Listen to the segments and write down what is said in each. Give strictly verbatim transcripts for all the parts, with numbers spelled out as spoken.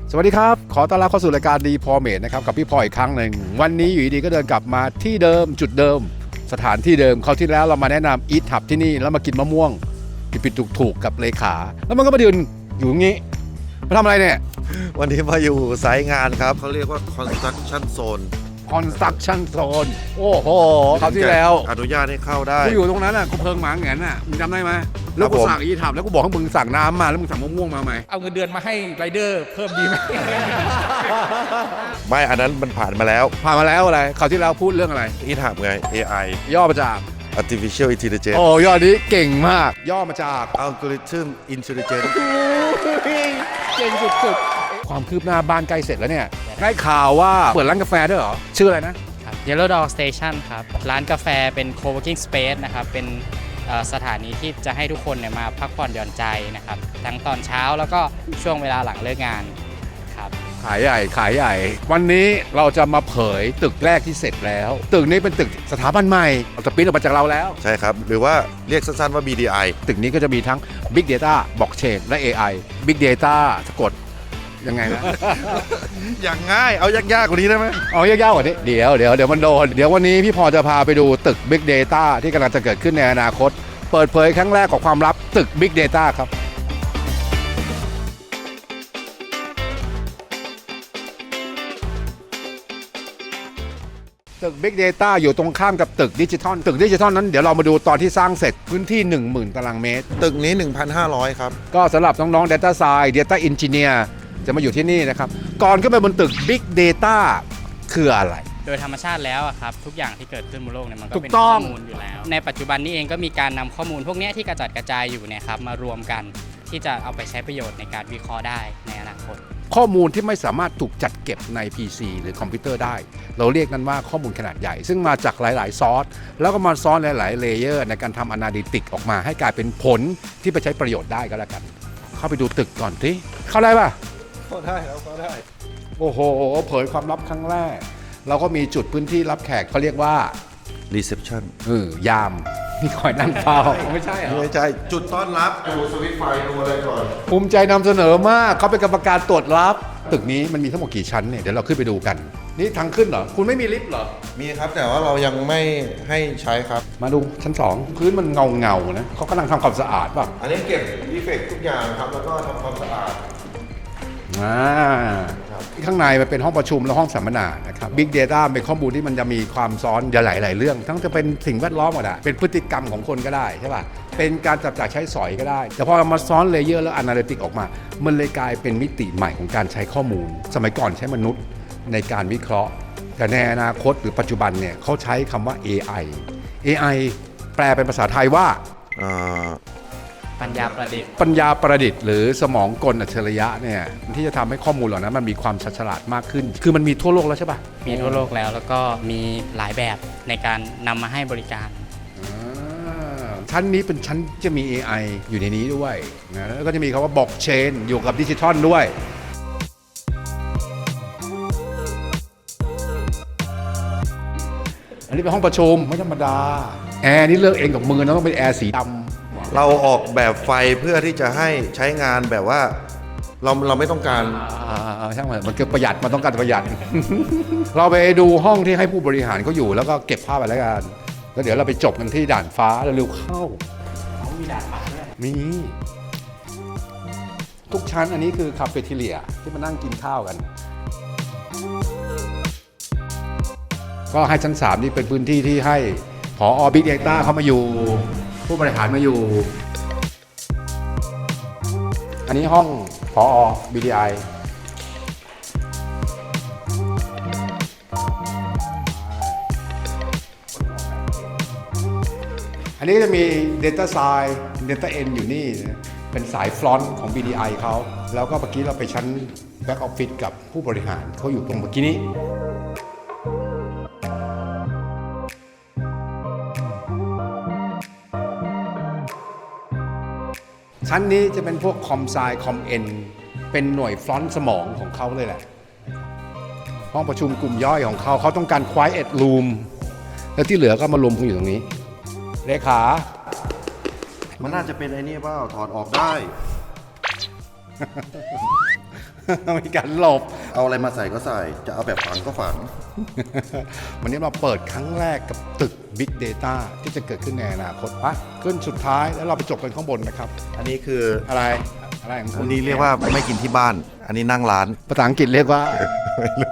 สวัสดีครับขอต้อนรับเข้าสู่รายการดีพอเมดนะครับกับพี่พออีกครั้งหนึ่งวันนี้อยู่ดีก็เดินกลับมาที่เดิมจุดเดิมสถานที่เดิมคราวที่แล้วเรามาแนะนำอีททับที่นี่แล้วมากินมะม่วงปิดๆถูกๆกับเลขาแล้วมันก็มายืนอยู่อย่างนี้มาทำอะไรเนี่ยวันนี้มาอยู่ไซต์งานครับเขาเรียกว่า construction zone construction zone โอ้โหคราวที่แล้วอนุญาตให้เข้าได้กูอยู่ตรงนั้นอ่ะกูเพิงหมาแงนอ่ะมึงจำได้ไหมแล้วกูสั่งอีททับแล้วกูบอกให้มึงสั่งน้ำมาแล้วมึงสั่งมะม่วงมาไหมเอาเงินเดือนมาให้ไรเดอร์เพิ่มดีไหมไม่อันนั้นมันผ่านมาแล้วผ่านมาแล้วอะไรคราวที่แล้วพูดเรื่องอะไรที่ถามไง เอ ไอย่อมาจาก artificial intelligence โอ้ย่อนี้เก่งมากย่อมาจาก algorithm intelligence เก่งสุดๆความคืบหน้าบ้านใกล้เสร็จแล้วเนี่ยได้ข่าวว่าเปิดร้านกาแฟด้วยเหรอชื่ออะไรนะครับ Yellow Dog Station ครับ ร้านกาแฟเป็น co-working space นะครับ เป็นเอ่อสถานีที่จะให้ทุกคนเนี่ยมาพักผ่อนหย่อนใจนะครับ ทั้งตอนเช้าแล้วก็ช่วงเวลาหลังเลิกงานครับขายใหญ่ขายใหญ่ วันนี้เราจะมาเผยตึกแรกที่เสร็จแล้ว ตึกนี้เป็นตึกสถาบันใหม่เราจะปริ้นออกมาจากเราแล้วใช่ครับ หรือว่าเรียกสั้นๆว่า บี ดี ไอตึกนี้ก็จะมีทั้ง Big Data Blockchain และ เอ ไอ Big Data สะกดยังไงนะอย่างง่ายเอายากๆกว่านี้ได้ไหมเอายากๆกว่านี้เดี๋ยวเดี๋ยวเดี๋ยวมันโดนเดี๋ยววันนี้พี่พอจะพาไปดูตึก Big Data ที่กำลังจะเกิดขึ้นในอนาคต เปิดเผยครั้งแรกของความลับตึก Big Data ครับตึก Big Data อยู่ตรงข้ามกับตึกดิจิทัลตึกดิจิทัลนั้นเดี๋ยวเรามาดูตอนที่สร้างเสร็จพื้นที่ หนึ่งหมื่น ตารางเมตรตึกนี้ หนึ่งพันห้าร้อย ครับก็สำหรับน้องๆ Data Science Data Engineer จะมาอยู่ที่นี่นะครับก่อนขึ้นไปบนตึก Big Data คืออะไรโดยธรรมชาติแล้วอะครับทุกอย่างที่เกิดขึ้นบนโลกเนี่ยมันก็ถูกเป็นต้ข้ออง มูลอยู่แล้ว ในปัจจุบันนี้เองก็มีการนำข้อมูลพวกเนี้ยที่กระจัดกระจายอยู่เนี่ยครับมารวมกันที่จะเอาไปใช้ประโยชน์ในการวิเคราะห์ได้ในอนาคตข้อมูลที่ไม่สามารถถูกจัดเก็บใน พี ซี หรือคอมพิวเตอร์ได้ เราเรียกนั้นว่าข้อมูลขนาดใหญ่ ซึ่งมาจากหลายๆ ซอส แล้วก็มาซ้อนหลายๆ เลเยอร์ในการทำ Analytics ออกมาให้กลายเป็นผลที่ไปใช้ประโยชน์ได้ก็แล้วกัน เข้าไปดูตึกก่อนที่เข้าได้ป่ะเข้าได้แล้วเข้าได้โอ้โห เผยความลับครั้งแรก เราก็มีจุดพื้นที่รับแขกเขาเรียกว่า reception เออยามนี่คอยนั่งเฝ้าไม่ใช่เหรอไม่ใช่จุดต้อนรับดูสวิตช์ไฟดูอะไรก่อนภูมิใจนำเสนอมากเขาเป็นกรรมการตรวจรับ ตึกนี้มันมีทั้งหมดกี่ชั้นเนี่ยเดี๋ยวเราขึ้นไปดูกัน นี่ทางขึ้นเหรอ คุณไม่มีลิฟต์เหรอมีครับแต่ว่าเรายังไม่ให้ใช้ครับมาดูชั้นสองพื้นมันเงาเงาๆนะเขากำลังทำความสะอาดป่ะอันนี้เก็บดีเฟกต์ทุกอย่างครับแล้วก็ทำความสะอาดอ่าข้างในมันเป็นห้องประชุมและห้องสัมมนานะครับ Big Data เป็นข้อมูลที่มันจะมีความซ้อนหลายๆเรื่อง ทั้งจะเป็นสิ่งแวดล้อมก็ได้เป็นพฤติกรรมของคนก็ได้ใช่ป่ะเป็นการจับจ่ายใช้สอยก็ได้ แต่พอเรามาซ้อนเลเยอร์แล้ว Analytics ออกมา มันเลยกลายเป็นมิติใหม่ของการใช้ข้อมูล สมัยก่อนใช้มนุษย์ในการวิเคราะห์ แต่ในอนาคตหรือปัจจุบันเนี่ยเขาใช้คำว่า เอ ไอ เอ ไอ แปลเป็นภาษาไทยว่าอ่าปัญญาประดิษฐ์ปัญญาประดิษฐ์หรือสมองกลอัจฉริยะเนี่ยที่จะทำให้ข้อมูลเหล่านั้นมันมีความชัดฉลาดมากขึ้น คือมันมีทั่วโลกแล้วใช่ปะมีทั่วโลกแล้วแล้วก็มีหลายแบบในการนำมาให้บริการอ่าชั้นนี้เป็นชั้นจะมี เอ ไอ อยู่ในนี้ด้วยนะแล้วก็จะมีคำว่าบล็อกเชนอยู่กับดิจิทัลด้วย อันนี้เป็นห้องประชุมไม่ธรรมดา แอร์นี่เลือกเองกับมือนะต้องเป็นแอร์สีดำเราออกแบบไฟเพื่อที่จะให้ใช้งานแบบว่าเราเราไม่ต้องการอ่าช่างมันมันคือประหยัดมันต้องการประหยัด เราไปดูห้องที่ให้ผู้บริหารเขาอยู่แล้วก็เก็บภาพไปแล้วกันแล้วเดี๋ยวเราไปจบกันที่ด่านฟ้าแล้วเร็วเข้าเขามีด่านฟ้าด้วยมีทุกชั้นอันนี้คือคาเฟ่ทีเลียที่มานั่งกินข้าวกัน ก็ให้ชั้นสามนี่เป็นพื้นที่ที่ให้ผอ Big Data เขามาอยู่ผู้บริหารมาอยู่ อันนี้ห้องผอ บี ดี ไอ อันนี้จะมี Data Science Data N อยู่นี่นะเป็นสายฟลอนต์ของ บี ดี ไอ เขาแล้วก็เมื่อกี้เราไปชั้น Back Office กับผู้บริหารเขาอยู่ตรงเมื่อกี้นี้ ชั้นนี้จะเป็นพวกคอมไซคอมเอ็นเป็นหน่วยฟลอนต์สมองของเขาเลยแหละ ห้องประชุมกลุ่มย่อยของเขาเขาต้องการ Quiet Room แล้วที่เหลือก็มารวมกันอยู่ตรงนี้เลขามันน่าจะเป็นไอ้นี่เปล่าถอดออกได้มีการหลบเอาอะไรมาใส่ก็ใส่ จะเอาแบบฝังก็ฝังวันนี้เราเปิดครั้งแรกกับตึก Big Data ที่จะเกิดขึ้นในอนาคตปะขึ้นสุดท้ายแล้วเราไปจบกันข้างบนนะครับอันนี้คืออะไรอะไรของคุอัณนนี้เรียกว่าไม่กินที่บ้าน อันนี้นั่งร้านภาษาอังกฤษเรียกว่าไม่รู้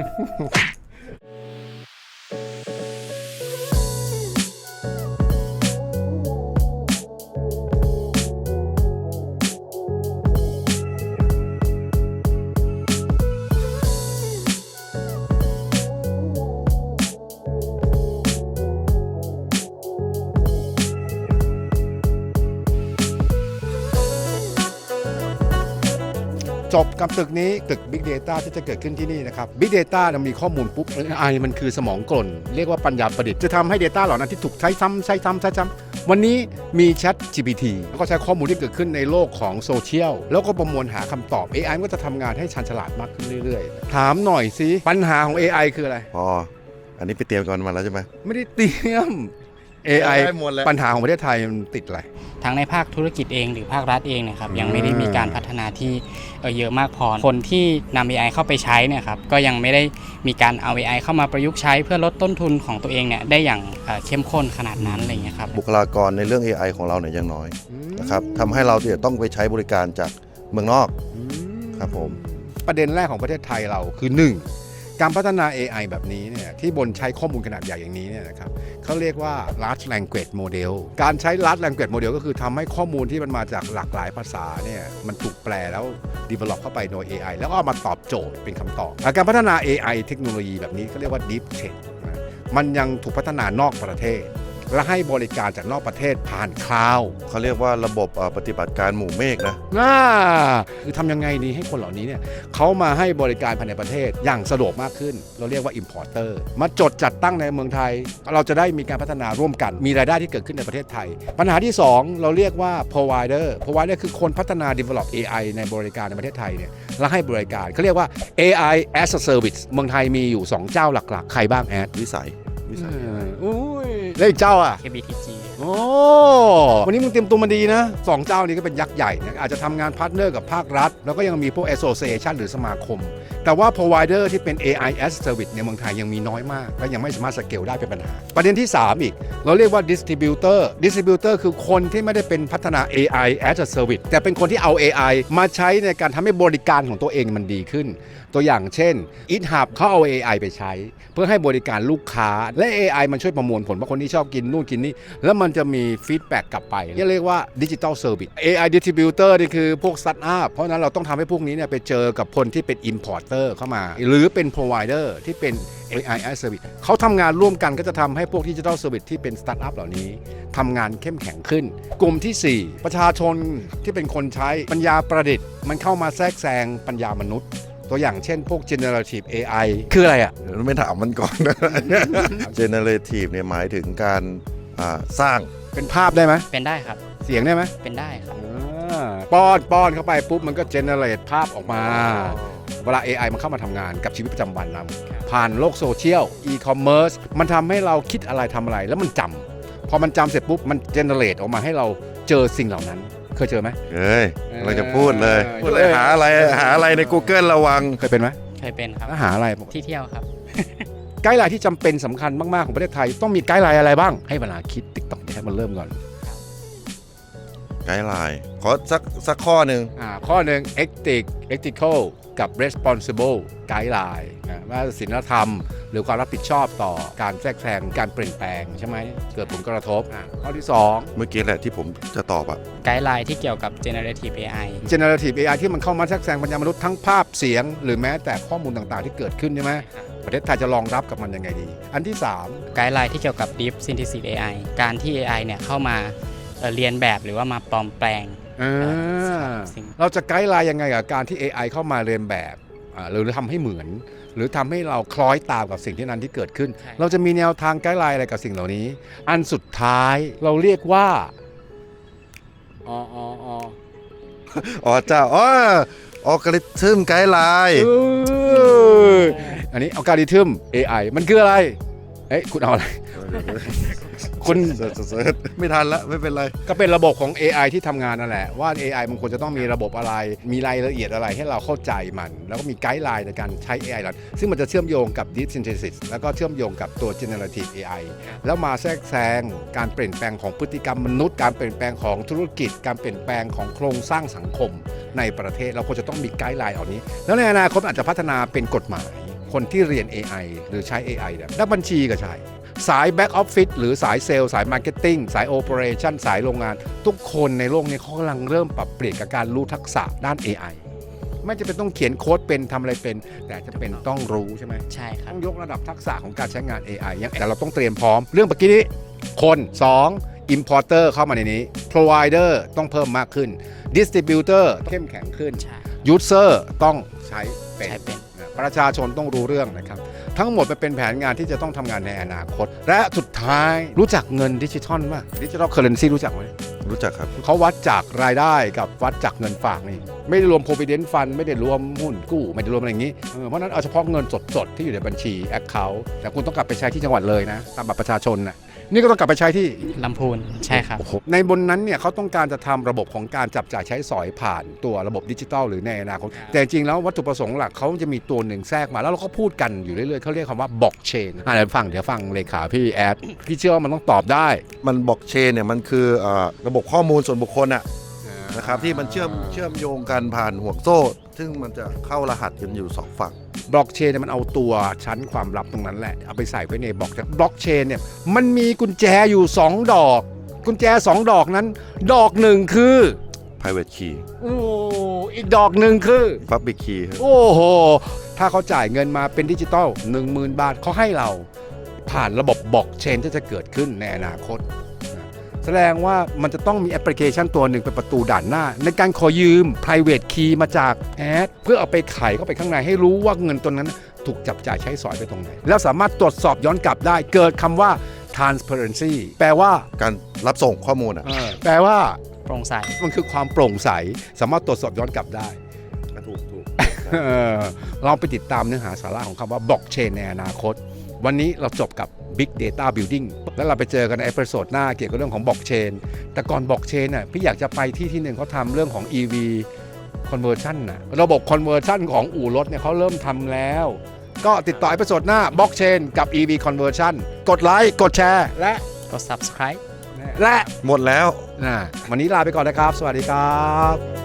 จบกับตึกนี้ตึก Big Data ที่จะเกิดขึ้นที่นี่นะครับ Big Data มันมีข้อมูลปุ๊บ เอ ไอ มันคือสมองกลเรียกว่าปัญญาประดิษฐ์จะทำให้ Data เหล่านั้นที่ถูกใช้ซ้ำใช้ซ้ำใช้ซ้ำวันนี้มี Chat จี พี ที แล้วก็ใช้ข้อมูลที่เกิดขึ้นในโลกของโซเชียลแล้วก็ประมวลหาคำตอบ เอ ไอ มันก็จะทำงานให้ชันฉลาดมากขึ้นเรื่อยๆ ถามหน่อยสิปัญหาของ เอ ไอ คืออะไรพอ อันนี้ไปเตรียมกันมาแล้วใช่ไหมไม่ได้เตรียม เอ ไอได้หมดแล้วปัญหาของประเทศไทยมันติดอะไรทั้งในภาคธุรกิจเองหรือภาครัฐเองเนะครับยังไม่ได้มีการพัฒนาที่เอ่อเยอะมากพอคนที่นำ เอ ไอ เข้าไปใช้เนี่ยครับก็ยังไม่ได้มีการเอา เอ ไอ เข้ามาประยุกต์ใช้เพื่อลดต้นทุนของตัวเองเนี่ยได้อย่างเอ่อเข้มข้นขนาดนั้นอะไรอย่างเงี้ยครับบุคลากรในเรื่อง เอ ไอ ของเราเนี่ยยังน้อยนะครับทำให้เราเนี่ยต้องไปใช้บริการจากเมืองนอกครับผมประเด็นแรกของประเทศไทยเราคือ หนึ่ง การพัฒนา เอ ไอ แบบนี้เนี่ยที่บนใช้ข้อมูลขนาดใหญ่อย่างนี้เนี่ยนะครับเขาเรียกว่า large language model การใช้ large language model ก็คือทำให้ข้อมูลที่มันมาจากหลากหลายภาษาเนี่ยมันถูกแปลแล้ว develop เข้าไปโดย เอ ไอ แล้วก็เอามาตอบโจทย์เป็นคำตอบและการพัฒนา เอ ไอ เทคโนโลยีแบบนี้เขาเรียกว่า deep tech นะมันยังถูกพัฒนานอกประเทศ และให้บริการจากนอกประเทศผ่านคลาวด์เขาเรียกว่าระบบเอ่อปฏิบัติการหมู่เมฆนะน่าคือทำยังไงดีให้คนเหล่านี้เนี่ยเขามาให้บริการภายในประเทศอย่างสะดวกมากขึ้น เราเรียกว่า importer มาจดจัดตั้งในเมืองไทย เราจะได้มีการพัฒนาร่วมกัน มีรายได้ที่เกิดขึ้นในประเทศไทย ปัญหาที่ สอง เราเรียกว่า provider provider คือคนพัฒนา develop เอ ไอ ในบริการในประเทศไทยเนี่ยและให้บริการเขาเรียกว่า เอ ไอ as a service เมืองไทยมีอยู่สองเจ้าหลักๆใครบ้างแอดวิสัยวิสัยอุ้ยแล้วอีกเจ้าอ่ะเค บี ที จีโอ้วันนี้มึงเตรียมตัวมาดีนะสองเจ้านี้ก็เป็นยักษ์ใหญ่นะอาจจะทำงานพาร์ทเนอร์กับภาครัฐ แล้วก็ยังมีพวก association หรือสมาคม แต่ว่า provider ที่เป็น เอ ไอ as service ในเมืองไทยยังมีน้อยมาก และยังไม่สามารถสเกลได้เป็นปัญหา ประเด็นที่ สาม อีก เราเรียกว่า distributor distributor คือคนที่ไม่ได้เป็นพัฒนา เอ ไอ as a service แต่เป็นคนที่เอา เอ ไอ มาใช้ในการทำให้บริการของตัวเองมันดีขึ้น ตัวอย่างเช่น GitHub เขาเอา เอ ไอ ไปใช้ เพื่อให้บริการลูกค้าและ เอ ไอ มันช่วยประมวลผลว่าคนที่ชอบกินนู่นกินนี่แล้วมันจะมีฟีดแบ็กกลับไปเรียกว่า Digital Service เอ ไอ Distributor นี่คือพวก Startup เพราะฉะนั้นเราต้องทำให้พวกนี้เนี่ยไปเจอกับคนที่เป็น Importer เข้ามา หรือเป็น Provider ที่เป็น เอ ไอ as Service เขาทำงานร่วมกันก็จะทำให้พวก Digital Service ที่เป็น Startup เหล่านี้ทำงานเข้มแข็งขึ้น กลุ่มที่ สี่ ประชาชนที่เป็นคนใช้ปัญญาประดิษฐ์มันเข้ามาแทรกแซงปัญญามนุษย์ ตัวอย่างเช่นพวก generative เอ ไอ คืออะไรอ่ะเดี๋ยวไม่ถามมันก่อนนะ generative เนี่ยหมายถึงการอ่าสร้างเป็นภาพได้ไหมเป็นได้ครับเสียงได้ไหมเป็นได้ครับอ่าป้อนป้อนเข้าไปปุ๊บมันก็ generate ภาพออกมา เวลา เอ ไอ มันเข้ามาทำงานกับชีวิตประจำวันเราผ่านโลกโซเชียล e-commerce มันทำให้เราคิดอะไรทำอะไรแล้วมันจำพอมันจำเสร็จปุ๊บมัน generate ออกมาให้เราเจอสิ่งเหล่านั้น เคยเจอไหมเฮ้ยเราจะพูดเลยเออพูดเลยหาอะไรหาอะไรใน Google ระวังเคยเป็นไหมเคยเป็นครับแล้วหาอะไรที่เที่ยวครับไกด์ไลน์ที่จำเป็นสำคัญมาก ๆ ของประเทศไทย ต้องมีไกด์ไลน์อะไรบ้าง ให้เวลาคิดติ๊กต็อกให้มันเริ่มก่อนไกด์ไลน์ขอสักสักข้อหนึ่งอ่าข้อหนึ่ง ethic ethical กับ responsible ไกด์ไลน์นะว่าศีลธรรม หรือความรับผิดชอบต่อการแทรกแซงการเปลี่ยนแปลงใช่ไหมเกิดผลกระทบอ่ะข้อที่ สองเมื่อกี้แหละที่ผมจะตอบอะไกด์ไลน์ที่เกี่ยวกับ generative เอ ไอ generative เอ ไอ ที่มันเข้ามาแทรกแซงปัญญามนุษย์ทั้งภาพเสียง หรือแม้แต่ข้อมูลต่างๆที่เกิดขึ้นใช่ไหมประเทศไทยจะรองรับกับมันยังไงดี อันที่ สามไกด์ไลน์ที่เกี่ยวกับ deep synthesis เอ ไอ การที่ เอ ไอ เนี่ยเข้ามาเอ่อเรียนแบบหรือว่ามาปลอมแปลงอ่าเราจะไกด์ไลน์ยังไงกับการที่ เอ ไอ เข้ามาเรียนแบบอ่าหรือทำให้เหมือน หรือทำให้เราคล้อยตามกับสิ่งที่นั้นที่เกิดขึ้นใช่เราจะมีแนวทางไกด์ไลน์อะไรกับสิ่งเหล่านี้ อันสุดท้ายเราเรียกว่าอ๋ออ๋ออ๋ออ๋อเจ้าอ๋อออกริทึมไกด์ไลน์เอออันนี้อัลกอริทึม เอ ไอ มันคืออะไรเอ้ยคุณเอาอะไรคุณเสิร์ชเสิร์ชไม่ทันละไม่เป็นไรก็เป็นระบบของ เอ ไอ ที่ทำงานนั่นแหละว่า เอ ไอ มันควรจะต้องมีระบบอะไร มีรายละเอียดอะไรให้เราเข้าใจมัน แล้วก็มีไกด์ไลน์ในการใช้ เอ ไอ นั้นซึ่งมันจะเชื่อมโยงกับ Deep Synthesis แล้วก็เชื่อมโยงกับตัว Generative เอ ไอ แล้วมาแทรกแซงการเปลี่ยนแปลงของพฤติกรรมมนุษย์การเปลี่ยนแปลงของธุรกิจ การเปลี่ยนแปลงของโครงสร้างสังคมในประเทศเราควรจะต้องมีไกด์ไลน์เหล่านี้แล้วในอนาคตอาจจะพัฒนาเป็นกฎหมายคนที่เรียน เอ ไอ หรือใช้ เอ ไอ เนี่ยนักบัญชีก็ใช่สาย Back Office หรือสายเซลล์สาย Marketing สาย Operation สายโรงงาน ทุกคนในโลกนี้เขากำลังเริ่มปรับเปลี่ยนกับการรู้ทักษะด้าน เอ ไอ ไม่จะเป็นต้องเขียนโค้ดเป็นทำอะไรเป็น แต่จะเป็นต้องรู้ใช่ไหมใช่ครับต้องยกระดับทักษะของการใช้งาน เอ ไอ อย่างแต่เราต้องเตรียมพร้อมเรื่องเมื่อกี้นี้คนสอง Importer เข้ามาในนี้ Provider ต้องเพิ่มมากขึ้น Distributor เข้มแข็งขึ้นใช่ User ต้องใช้เป็นใช้เป็นประชาชนต้องรู้เรื่องนะครับทั้งหมดมันเป็นแผนงานที่จะต้องทำงานในอนาคต และสุดท้ายรู้จักเงินดิจิทัลป่ะดิจิทัลเคอร์เรนซีรู้จักไหมรู้จักครับเขาวัดจากรายได้กับวัดจากเงินฝากนี่ไม่ได้รวม provident fund ไม่ได้รวมหุ้นกู้ไม่ได้รวมอะไรอย่างนี้เออเพราะฉะนั้นเอาเฉพาะเงินสดๆ ที่อยู่ในบัญชี account แต่คุณต้องกลับไปใช้ที่จังหวัดเลยนะตามบัตรประชาชนน่ะนี่ก็ต้องกลับไปใช้ที่ลำพูนใช่ครับในบนนั้นเนี่ยเขาต้องการจะทำระบบของการจับจ่ายใช้สอยผ่านตัวระบบดิจิทัลหรือในอนาคตแต่จริงๆแล้ววัตถุประสงค์หลักเขาจะมีตัวหนึ่งแทรกมาแล้วเราก็พูดกันอยู่เรื่อยๆเขาเรียกคำว่าบล็อกเชนอ่ะเดี๋ยวฟังเดี๋ยวฟังเลขาพี่แอดพี่เชื่อว่ามันต้องตอบได้มันบล็อกเชนเนี่ยมันคือเอ่อระบบข้อมูลส่วนบุคคลอะนะครับที่มันเชื่อมเชื่อมโยงกันผ่านห่วงโซ่ ซึ่งมันจะเข้ารหัสกันอยู่สองฝั่งบล็อกเชนเนี่ยมันเอาตัวชั้นความลับตรงนั้นแหละเอาไปใส่ไว้ในบล็อกบล็อกเชนเนี่ยมันมีกุญแจอยู่สองดอก กุญแจสองดอกนั้น ดอกหนึ่งคือ private key โอ้อีกดอกหนึ่งคือ public key ครับโอ้โหถ้าเขาจ่ายเงินมาเป็นดิจิตอล หนึ่งหมื่น บาทเขาให้เราผ่านระบบบล็อกเชนที่จะเกิดขึ้นในอนาคตนะแสดงว่ามันจะต้องมีแอปพลิเคชันตัวหนึ่งเป็นประตูด่านหน้า ในการขอยืม private key มาจากแอดเพื่อเอาไปไขเข้าไปข้างในให้รู้ว่าเงินตัวนั้นถูกจับจ่ายใช้สอยไปตรงไหน แล้วสามารถตรวจสอบย้อนกลับได้เกิดคำว่า transparency แปลว่าการรับส่งข้อมูลอะเออแปลว่าโปร่งใสมันคือความโปร่งใสสามารถตรวจสอบย้อนกลับได้ถูกถูกเออลองไปติดตามเนื้อหาสาระของคำว่าบล็อกเชนในอนาคต วันนี้เราจบกับ Big Data Building แล้วเราไปเจอกันในเอพิโซดหน้าเกี่ยวกับเรื่องของบล็อกเชนแต่ก่อนบล็อกเชนน่ะพี่อยากจะไปที่ที่หนึ่งเขาทำเรื่องของ อี วี Conversion น่ะระบบ Conversion ของอู่รถเนี่ยเขาเริ่มทำแล้ว ก็ติดต่อเอพิโซดหน้าบล็อกเชนกับ อี วี Conversion กดไลค์กดแชร์และกด subscribe และหมดแล้วนะวันนี้ลาไปก่อนนะครับ สวัสดีครับ